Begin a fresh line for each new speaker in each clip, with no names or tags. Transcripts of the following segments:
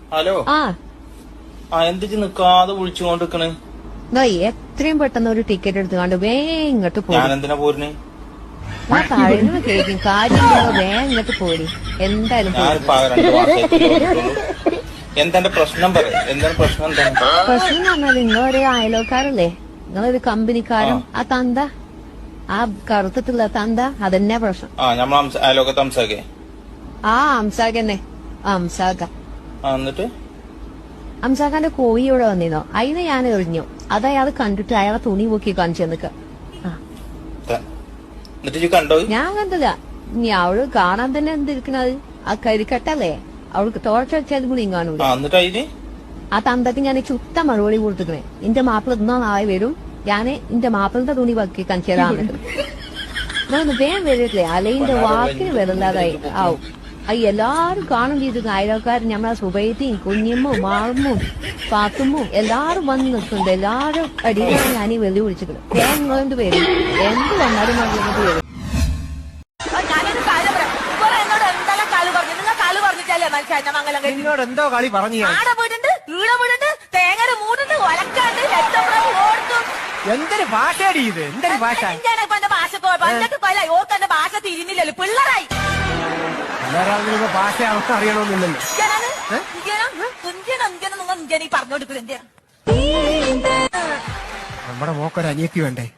Hello. എന്തിച്ച് നിക്കാതെ വിളിച്ചുകൊണ്ടിരിക്കണ്?
എത്രയും പെട്ടെന്ന് ഒരു ടിക്കറ്റ് എടുത്തുകൊണ്ട് വേഗം ഇങ്ങോട്ട് പോയി.
ഞാൻ എന്തിനാ പോരുന്നേ?
കഴിഞ്ഞ കേൾക്കും കാര്യം വേഗം ഇങ്ങോട്ട് പോരി. എന്തായാലും
എന്തെന്റെ പ്രശ്നം പറയും. എന്താണ് പ്രശ്നം? എന്താണ്
പ്രശ്നം എന്ന് പറഞ്ഞാൽ നിങ്ങളൊരു അയലോക്കാരല്ലേ, നിങ്ങളൊരു കമ്പനിക്കാരും ആ തന്ത, ആ കറുത്തിട്ടുള്ള തന്ത, അതന്നെ പ്രശ്നം.
അയലോക്കത്തെ അംസാക്കേ?
അംസാഖന്നെ. അംസാഖ.
എന്നിട്ട്
അംസാഖാന്റെ കോഴി ഇവിടെ വന്നിരുന്നോ? അതിനെ ഞാൻ എറിഞ്ഞു. അതയാൾ കണ്ടിട്ട് അയാളെ തുണി പൊക്കി കാണിച്ചു തന്നിക്ക. ഞാൻ കണ്ടില്ല. ഇനി അവള് കാണാൻ തന്നെ എന്തിരിക്കണത്? ആ കരിക്കട്ടല്ലേ, അവൾക്ക് തോർച്ച വെച്ചാൽ കൂടി കാണൂല. ആ തന്തക്ക് ഞാൻ ചുത്ത മറുപടി കൊടുത്തിക്കണേ. എന്റെ മാപ്പിള ഇന്നോ നാളെ വരും, ഞാന് എന്റെ മാപ്പിളിന്റെ തുണി പൊക്കി കാണിച്ചു തരാൻ വേഗം വരില്ലേ, അലയിന്റെ വാക്കിന് വരില്ലാതായി ആവും. എല്ലാരും കാണും ചെയ്തിരുന്നു. അയൽക്കാരും നമ്മളെ സുബൈത്തിയും കുഞ്ഞമ്മോ മാളുമ്മോ പാത്തുമ്മോ എല്ലാരും വന്ന് നിൽക്കുന്നുണ്ട്. എല്ലാരും അടിയിലാണ് ഞാൻ ഈ വെള്ളി വിളിച്ചിട്ട് തേങ്ങോണ്ട് വരും. എന്ത് വന്നാലും വന്നിട്ട് വരും.
എന്തോ കളി പറഞ്ഞു എന്തൊരു ഭാഷയാടി ഇത്? എന്തൊരു ഭാഷ?
ഭാഷ തിരിഞ്ഞില്ലല്ലോ പിള്ളേരായി.
ഭാഷ അവർക്ക് അറിയണമെന്നില്ലല്ലോ. നമ്മുടെ മോക്കൊരു അനിയത്തി വേണ്ടേ?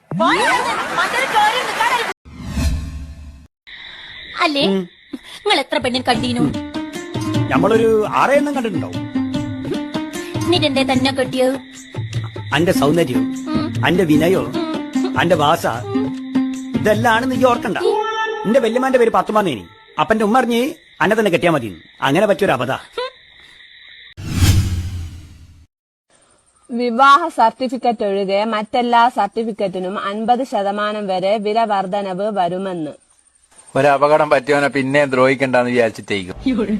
അല്ലേ നിങ്ങൾ എത്ര പെണ്ണിന് കണ്ടീനു?
നമ്മളൊരു 6 എണ്ണം കണ്ടിട്ടുണ്ടാവും.
എന്നിട്ടെന്തേ തന്നെ കെട്ടിയത്?
അന്റെ സൗന്ദര്യം, അന്റെ വിനയോ, അന്റെ ഭാഷ, ഇതെല്ലാം നീ ഓർക്കണ്ട. എന്റെ വല്യമാന്റെ പേര് പാത്തുമാന്നേനി. അപ്പന്റെ ഉമ്മ അറിഞ്ഞ് അന്നെ തന്നെ കെട്ടിയാ മതി. അങ്ങനെ പറ്റിയൊരു അബദ്ധ.
വിവാഹ സർട്ടിഫിക്കറ്റ് ഒഴികെ മറ്റെല്ലാ സർട്ടിഫിക്കറ്റിനും 50% വരെ വില വർധനവ് വരുമെന്ന്.
ഒരപകടം പറ്റിയവനെ പിന്നെ ദ്രോഹിക്കണ്ടെന്ന് വിചാരിച്ചിട്ടേക്കും.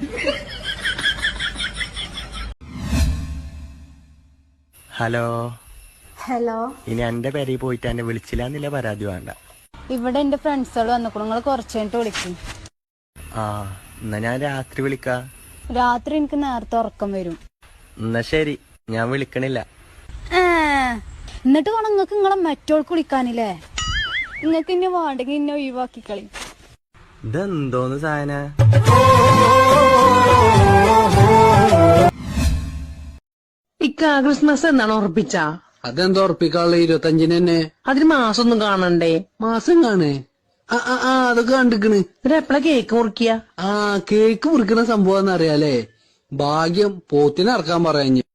ഹലോ.
ഹലോ.
ഇനി എന്റെ പേരിൽ പോയിട്ട് എന്നെ വിളിച്ചില്ലാന്നില്ല പരാതി വേണ്ട.
ഇവിടെ എന്റെ ഫ്രണ്ട്സുകൾ വന്നിക്കണു, നിങ്ങൾ കുറച്ച് കഴിഞ്ഞിട്ട് വിളിക്കും.
എന്നാ ഞാൻ രാത്രി വിളിക്കാ.
രാത്രി എനിക്ക് നേരത്തെ ഉറക്കം വരും.
എന്നാ ശരി, ഞാൻ വിളിക്കണില്ല.
എന്നിട്ട് വേണം നിങ്ങക്ക് നിങ്ങളെ മറ്റോൾക്ക് വിളിക്കാനില്ലേ? നിങ്ങക്ക് ഇന്നെ വേണ്ടെങ്കിൽ ഇന്നെ ഒഴിവാക്കി കളി.
ഇതെന്തോന്ന് സാധന?
ക്രിസ്മസ് എന്നാണ് ഉറപ്പിച്ച?
അതെന്താ ഉറപ്പിക്കാനുള്ള 25-ന് തന്നെ?
അതിന് മാസം ഒന്നും കാണണ്ടേ?
മാസം കാണേ? അതൊക്കെ കണ്ടിക്കണ്.
എപ്പഴാ കേക്ക് മുറിക്കുക?
കേക്ക് മുറിക്കുന്ന സംഭവം അറിയാലേ. ഭാഗ്യം പോത്തിനെ ഇറക്കാൻ പറയാഞ്ഞ്.